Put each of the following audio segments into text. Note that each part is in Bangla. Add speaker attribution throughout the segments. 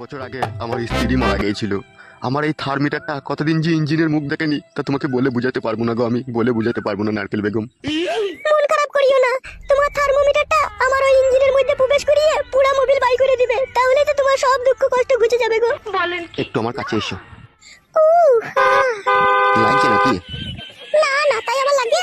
Speaker 1: বছর আগে আমার স্ত্রী মারা গিয়েছিল। আমার এই থার্মিটারটা কতদিন যে ইঞ্জিনের মুখ দেখেনি তা তোমাকে বলে বুঝাতে পারবো না গো, আমি বলে বুঝাতে পারবো না নারকেল বেগম।
Speaker 2: মন খারাপ করিও না, তোমার থার্মোমিটারটা আমার ওই ইঞ্জিনের মধ্যে প্রবেশ করিয়ে পুরো মোবিল বাই করে দিবে, তাহলে তো তোমার সব দুঃখ কষ্ট ঘুচে যাবে গো।
Speaker 1: একটু আমার কাছে এসো।
Speaker 2: আহ,
Speaker 1: লাগছে নাকি?
Speaker 2: না না, তাই আমার লাগে।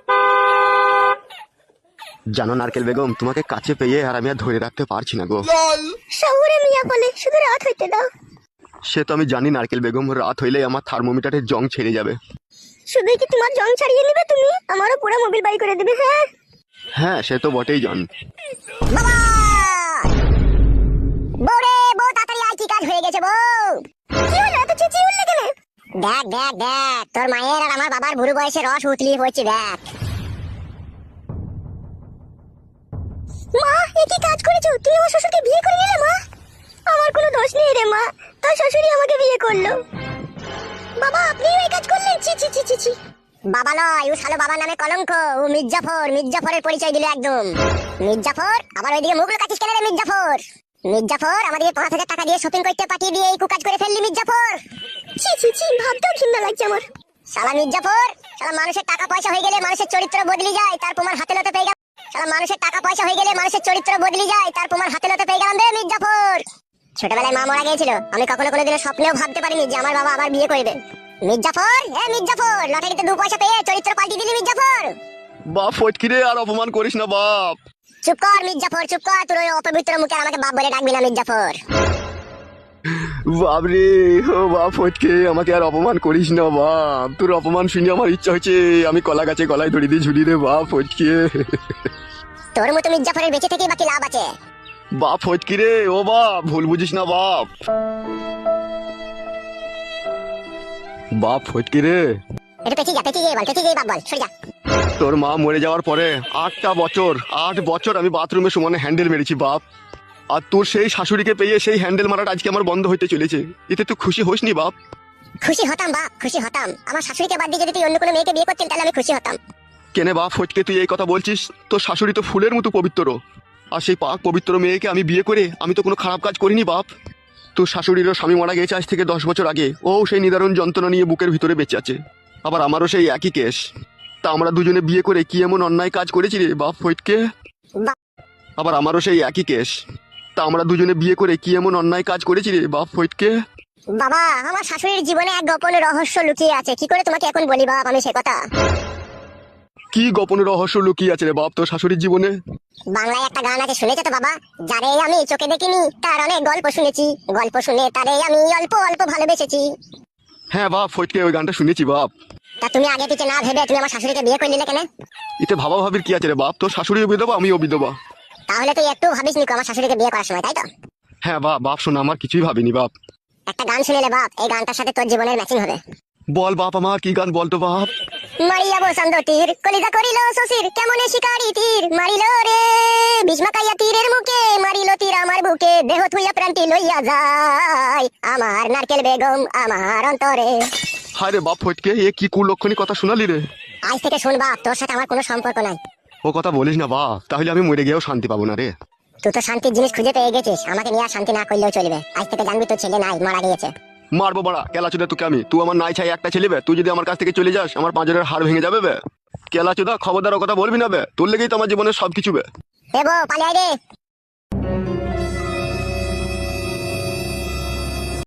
Speaker 1: জানো নারকেল বেগম, তোমাকে কাছে পেয়ে আর আমি আর ধরে রাখতে পারছি না গো।
Speaker 2: শহুরে মিয়া বলে শুধু রাত হইতে দাও।
Speaker 1: সে তো আমি জানি নারকেল বেগম, রাত হইলেই আমার থার্মোমিটারের জং ছেড়ে যাবে।
Speaker 2: শুধুই কি তোমার জং ছাড়িয়ে নিবে তুমি, আমারও পুরো মোবিল বাই করে দিবে। হ্যাঁ
Speaker 1: হ্যাঁ সে তো বটেই জান।
Speaker 2: বাবা, বউরে বউ তাড়াতাড়ি আয়, কি কাজ হয়ে গেছে বউ? কি হলো, এত চেঁচিয়ে উঠলে কেন? দেখ দেখ দেখ, তোর মায়ের আর আমার বাবার বুড়ো বয়সে রস উতলিয়ে পড়ছে, দেখ। মা, এ কি কাজ করেছো তুমি? আমার শ্বশুরকে বিয়ে করে নিলে মা। আমার কোনো দোষ নেই রে মা, তোর শ্বশুরই আমাকে বিয়ে করলো। বাবা, আপনিও এই কাজ করলেন? ছি ছি ছি ছি ছি। বাবা নয়, ও শালো বাবার নামে কলঙ্ক। ও মির্জাফর, মির্জাফরের পরিচয় দিল একদম। মির্জাফর, আবার ওইদিকে মুখ লুকাচ্ছিস কেন রে মির্জাফর? মির্জাফর, আমাদের 5,000 টাকা দিয়ে শপিং করতে পাঠিয়ে দিয়ে এই কুকাজ করে ফেললি মির্জাফর। ছি ছি ছি, ভাবতেও ঘৃণা লাগছে আমার। শালা মির্জাফর, শালা মানুষের টাকা পয়সা হয়ে গেলে মানুষের চরিত্র বদলে যায়, তার প্রমাণ হাতে লতে পেয়ে গেল। শালা মানুষের টাকা পয়সা হয়ে গেলে মানুষের চরিত্র বদলে যায়, তার প্রমাণ হাতে লতে পেয়ে গেলাম রে মির্জাফর। ছোটবেলায় মা মারা গিয়েছিল, আমি কখনো কোনোদিনও স্বপ্নেও ভাবতে পারিনি যে আমার বাবা আবার বিয়ে করবে। মির্জাফর, এ মির্জাফর, লটারিতে 2 পয়সা পেয়ে চরিত্র পাল্টি দিলি মির্জাফর।
Speaker 1: বাপ ফটকিরে, আর অপমান করিস না বাপ।
Speaker 2: চুপ কর মির্জাফর, চুপ কর, তোর ওই অপবিত্র মুখে আমাকে বাপ বলে ডাকবি না মির্জাফর।
Speaker 1: বাপরে, ও বাপ ফটকে, আমাকে আর অপমান করিস না বাপ। তোর অপমান শুনে আমার ইচ্ছা হচ্ছে আমি কলা গাছে গলায় ধরে দিয়ে ঝুলি রে বাপ ফটকে।
Speaker 2: তোর মতো মির্জাফরের বেঁচে থেকে বাকি লাভ আছে?
Speaker 1: বাপ ফটকিরে, ও বাপ ভুল বুঝিস না বাপ। বাপ ফটকিরে,
Speaker 2: একটু পেঁচিয়ে যা, পেঁচিয়ে বল, পেঁচিয়ে বাপ বল, সরে যা।
Speaker 1: তোর মা মরে যাওয়ার পরে 8 বছর আমি বাথরুমে সমানে হ্যান্ডেল মেরেছি বাপ। আর তোর সেই শাশুড়িকে পেয়ে সেই হ্যান্ডেল মারাটা আজকে আমার বন্ধ হইতে চলেছে। এতে তুই খুশি হোস নি বাপ?
Speaker 2: খুশি হতাম বাপ, খুশি হতাম। আমার শাশুড়িকে বাদ দিয়ে যদি তুই অন্য কোনো মেয়েকে বিয়ে করতেন তাহলে আমি খুশি হতাম।
Speaker 1: কেনে বাপ ফটকে তুই এই কথা বলছিস? তোর শাশুড়ি তো ফুলের মতো পবিত্র, আর সেই পাক পবিত্র মেয়েকে আমি বিয়ে করে আমি তো কোনো খারাপ কাজ করিনি বাপ। তোর শাশুড়িরও স্বামী মারা গেছে আজ থেকে 10 বছর আগে, ও সেই নিদারুণ যন্ত্রণা নিয়ে বুকের ভিতরে বেঁচে আছে। আবার আমারও সেই একই কেস। তা আমরা দুজনে বিয়ে করে কি এমন অন্যায় কাজ করেছি রে বাপ ফটকে? আবার আমারও সেই একই কেস। তা আমরা দুজনে বিয়ে করে কি এমন অন্যায় কাজ করেছি রে বাপ ফটকে?
Speaker 2: বাবা, আমার শাশুড়ির জীবনে এক গোপন রহস্য লুকিয়ে আছে, কি করে তোমাকে এখন বলি বাপ আমি সে কথা।
Speaker 1: কি গোপন রহস্য লুকিয়ে আছে রে বাপ তোর শাশুড়ির জীবনে?
Speaker 2: বাংলায় একটা গান আছে, শুনেছো তো বাবা? যারে আমি চোখে দেখিনি তার অনেক গল্প শুনেছি, গল্প শুনে তারে আমি অল্প অল্প ভালোবেসেছি।
Speaker 1: হ্যাঁ বাপ ফটকে, ওই গানটা শুনেছি বাপ।
Speaker 2: তা তুমি আগে পিছে না ভেবে তুমি আমার শাশুড়িকে বিয়ে করে নিলে কেন?
Speaker 1: এতে ভাবা ভাবির কি আছে রে বাপ? তোর শাশুড়িও বিধবা, আমিও বিধবা।
Speaker 2: তাহলে তুই একটু ভাবিস নি আমার শাশুড়িকে বিয়ে করার সময়, তাই তো?
Speaker 1: হ্যাঁ বাপ, বাপ শোনা, আমার কিছুই ভাবিনি বাপ।
Speaker 2: একটা গান শুনেলে বাপ, এই গানটার সাথে তোর জীবনের ম্যাচিং হবে।
Speaker 1: বল বাপ, আমার কি গান বলতো বাপ?
Speaker 2: মারিয়া বসন্ত তীর কলিজা করিল শশীর, কেমনে শিকারি তীর মারিল রে, ভীষ্মাকাইয়া তীরের মুখে মারিল তীর আমার বুকে, দেহ থুইয়া প্রান্তি লইয়া যায় আমার নারকেল বেগম আমার অন্তরে।
Speaker 1: হায় রে বাপ ফটকে, এ কি কুলক্ষণী কথা শোনালি রে?
Speaker 2: আজ থেকে শোন বাপ, তোর সাথে আমার কোনো সম্পর্ক নাই।
Speaker 1: ও কথা বলিস না বাপ, তাহলে আমি মরে গিয়েও শান্তি পাবো না রে।
Speaker 2: তুই তো শান্তির জিনিস খুঁজে পেয়ে গেছিস, আমাকে নিয়ে আর শান্তি না করলেও চলবে। আজ থেকে জানবি তোর ছেলে নাই, মারা গিয়েছে।
Speaker 1: মারবো বাড়া কেলা চোদা তোকে আমি। তুই আমার নাই ছাই একটা ছেলে বে, তুই যদি আমার কাছ থেকে চলে যাস আমার পাঁজরের হাড় ভেঙে যাবে বে। কেলা চোদা, খবরদার ও কথা বলবি না বে, তোর লেগেই তো আমার জীবনের সবকিছু বে।
Speaker 2: এ বউ, পালিয়ে আয় রে।